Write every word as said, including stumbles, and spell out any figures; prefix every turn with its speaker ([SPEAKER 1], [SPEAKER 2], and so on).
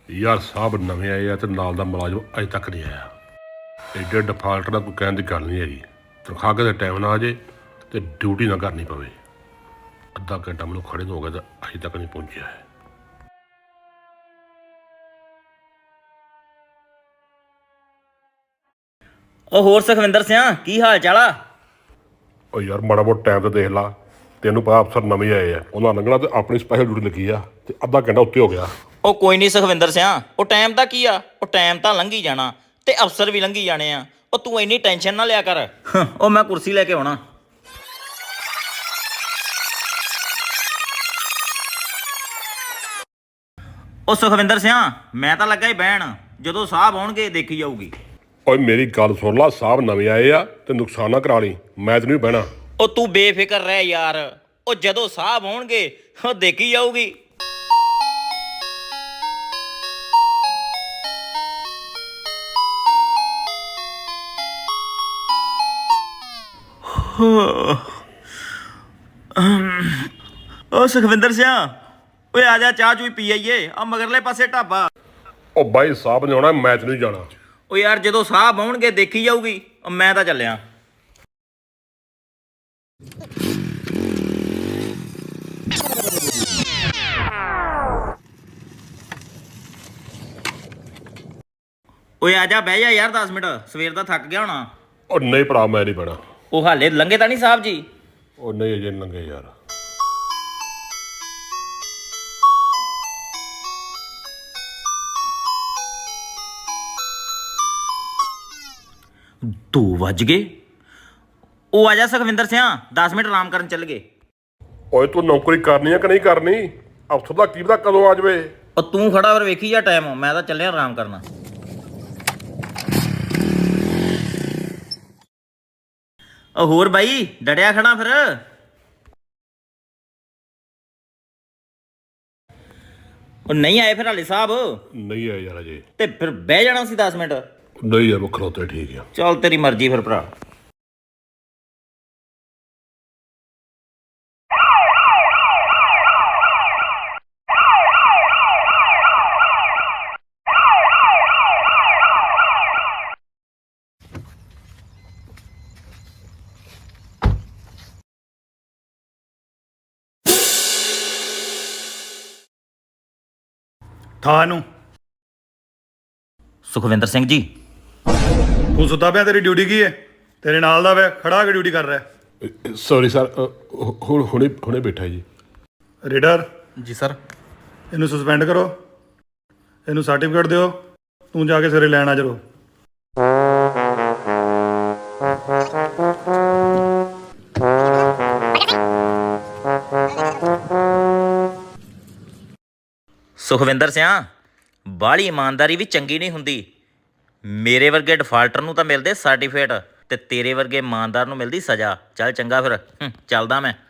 [SPEAKER 1] ਯਾਰ ਸਾਹਿਬ ਨਵੇਂ ਆਏ ਆ ਤੇ ਨਾਲ ਦਾ ਮੁਲਾਜ਼ਮ ਅਜੇ ਤੱਕ ਨਹੀਂ ਆਇਆ। ਐਡੇ ਡਿਫਾਲਟ ਦਾ ਕੋਈ ਕਹਿਣ ਦੀ ਗੱਲ ਨਹੀਂ ਹੈਗੀ। ਤਨਖਾਹ ਕਿਤੇ ਟਾਈਮ ਨਾ ਆ ਜੇ ਤੇ ਡਿਊਟੀ ਨਾ ਕਰਨੀ ਪਵੇ। ਅੱਧਾ ਘੰਟਾ ਮੈਨੂੰ ਖੜੇ ਨੂੰ ਹੋ ਗਿਆ ਤੇ ਅਜੇ ਤੱਕ ਨਹੀਂ ਪਹੁੰਚਿਆ ਹੈ।
[SPEAKER 2] ਉਹ ਹੋਰ ਸੁਖਵਿੰਦਰ ਸਿਆਂ ਕੀ ਹਾਲ ਚਾਲ ਆ?
[SPEAKER 1] ਉਹ ਯਾਰ ਮਾੜਾ ਮੋਟਾ ਟਾਈਮ ਤੇ ਦੇਖ ਲਾ। ਤੈਨੂੰ ਪਤਾ ਅਫਸਰ ਨਵੇਂ ਆਏ ਆ, ਉਹਨਾਂ ਲੰਘਣਾ ਤੇ ਆਪਣੀ ਸਪੈਸ਼ਲ ਡਿਊਟੀ ਲੱਗੀ ਆ ਤੇ ਅੱਧਾ ਘੰਟਾ ਉੱਤੇ ਹੋ ਗਿਆ।
[SPEAKER 2] ਉਹ ਕੋਈ ਨਹੀਂ ਸੁਖਵਿੰਦਰ ਸਿਆਂ, ਉਹ ਟਾਈਮ ਦਾ ਕੀ ਆ, ਉਹ ਟਾਈਮ ਤਾਂ ਲੰਘੀ ਜਾਣਾ ਤੇ ਅਫਸਰ ਵੀ ਲੰਘੀ ਜਾਣੇ ਆ। ਉਹ ਤੂੰ ਇੰਨੀ ਟੈਨਸ਼ਨ ਨਾ ਲਿਆ ਕਰ। ਉਹ ਮੈਂ ਕੁਰਸੀ ਲੈ ਕੇ ਆਉਣਾ। ਉਹ ਸੁਖਵਿੰਦਰ ਸਿਆਂ ਮੈਂ ਤਾਂ ਲੱਗਾ ਹੀ ਬਹਿਣ, ਜਦੋਂ ਸਾਹਿਬ ਆਉਣਗੇ ਦੇਖੀ ਜਾਊਗੀ।
[SPEAKER 1] ਓਏ ਮੇਰੀ ਗੱਲ ਸੁਣ ਲਾ, ਸਾਹਿਬ ਨਵੇਂ ਆਏ ਆ ਤੇ ਨੁਕਸਾਨ ਨਾ ਕਰਾ ਲਈ, ਮੈਂ ਤੇ ਨਹੀਂ ਬਹਿਣਾ।
[SPEAKER 2] ਉਹ ਤੂੰ ਬੇਫਿਕਰ ਰਹਿ ਯਾਰ, ਉਹ ਜਦੋਂ ਸਾਹਿਬ ਆਉਣਗੇ ਉਹ ਦੇਖੀ ਜਾਊਗੀ। ਉਹ ਸੁਖਵਿੰਦਰ ਸਿਆਂ ਓਏ ਆ ਜਾ, ਚਾਹ ਚੂਈ ਪੀ ਆਈਏ। ਆ ਮਗਰਲੇ ਪਾਸੇ ਢਾਬਾ।
[SPEAKER 1] ਉਹ ਬਾਈ ਸਾਹਿਬ ਨੇ ਆਉਣਾ, ਮੈਂ ਤੇ ਨਹੀਂ ਜਾਣਾ।
[SPEAKER 2] ਉਹ ਯਾਰ ਜਦੋਂ ਸਾਹਿਬ ਆਉਣਗੇ ਦੇਖੀ ਜਾਊਗੀ। ਉਹ ਮੈਂ ਤਾਂ ਚੱਲਿਆ। ਓਏ ਆ ਜਾ, ਬਹਿ ਜਾ ਯਾਰ ਦਸ ਮਿੰਟ, ਸਵੇਰ ਦਾ ਥੱਕ ਗਿਆ ਹੋਣਾ।
[SPEAKER 1] ਉਹ ਨਹੀਂ ਭਰਾ, ਮੈਂ ਨਹੀਂ ਬਹਿਣਾ।
[SPEAKER 2] ਉਹ ਹਾਲੇ ਲੰਘੇ ਤਾਂ ਨਹੀਂ ਸਾਹਿਬ ਜੀ?
[SPEAKER 1] ਉਹ ਨਹੀਂ ਅਜੇ ਨੀ ਲੰਘੇ ਯਾਰ।
[SPEAKER 2] ਦੋ ਵੱਜ ਗਏ। ਉਹ ਆ ਜਾ ਸੁਖਵਿੰਦਰ ਸਿਆਂ, ਦਸ ਮਿੰਟ ਆਰਾਮ ਕਰਨ ਚੱਲ ਗਏ।
[SPEAKER 1] ਓਏ ਤੂੰ ਨੌਕਰੀ ਕਰਨੀ ਆ ਕਿ ਨਹੀਂ ਕਰਨੀ? ਅਫਸਰ ਦਾ ਕੀ ਪਤਾ ਕਦੋਂ ਆ ਜਾਵੇ।
[SPEAKER 2] ਉਹ ਤੂੰ ਖੜਾ ਫਿਰ ਵੇਖੀ ਜਾ ਟਾਈਮ, ਮੈਂ ਤਾਂ ਚੱਲਿਆ ਆਰਾਮ ਕਰਨਾ। ਉਹ ਹੋਰ ਬਾਈ ਡੜਿਆ ਖੜਾ ਫਿਰ? ਉਹ ਨਹੀਂ ਆਏ ਫਿਰ ਹਾਲੇ ਸਾਹਿਬ?
[SPEAKER 1] ਨਹੀਂ ਆਏ ਯਾਰ ਅਜੇ।
[SPEAKER 2] ਤੇ ਫਿਰ ਬਹਿ ਜਾਣਾ ਸੀ ਦਸ ਮਿੰਟ।
[SPEAKER 1] ਨਹੀਂ ਯਾਰ, ਉਹ ਖਲੋਤੇ ਠੀਕ ਆ।
[SPEAKER 2] ਚੱਲ ਤੇਰੀ ਮਰਜ਼ੀ ਫਿਰ ਭਰਾ।
[SPEAKER 3] ਥਾਂ ਨੂੰ
[SPEAKER 2] ਸੁਖਵਿੰਦਰ ਸਿੰਘ ਜੀ।
[SPEAKER 3] ਤੂੰ ਸੁੱਤਾ ਪਿਆ, ਤੇਰੀ ਡਿਊਟੀ ਕੀ ਹੈ? ਤੇਰੇ ਨਾਲ ਦਾ ਵੇ ਖੜਾ ਕੇ ਡਿਊਟੀ ਕਰ ਰਿਹਾ।
[SPEAKER 1] ਸੌਰੀ ਸਰ, ਹੁਣ ਹੁਣੇ ਹੁਣੇ ਬੈਠਾ ਜੀ।
[SPEAKER 3] ਰੀਡਰ
[SPEAKER 4] ਜੀ ਸਰ।
[SPEAKER 3] ਇਹਨੂੰ ਸਸਪੈਂਡ ਕਰੋ, ਇਹਨੂੰ ਸਰਟੀਫਿਕੇਟ ਦਿਓ, ਤੂੰ ਜਾ ਕੇ ਸਵੇਰੇ ਲੈਣ ਆ ਜਰੋ।
[SPEAKER 2] ਸੁਖਵਿੰਦਰ ਸਿਆਂ ਬਾਹਲੀ ਇਮਾਨਦਾਰੀ ਵੀ ਚੰਗੀ ਨਹੀਂ ਹੁੰਦੀ। ਮੇਰੇ ਵਰਗੇ ਡਿਫਾਲਟਰ ਨੂੰ ਤਾਂ ਮਿਲਦੇ ਸਰਟੀਫਿਕੇਟ ਤੇ ਤੇਰੇ ਵਰਗੇ ਇਮਾਨਦਾਰ ਨੂੰ ਮਿਲਦੀ ਸਜ਼ਾ। ਚੱਲ ਚੰਗਾ ਫਿਰ, ਚੱਲਦਾ ਮੈਂ।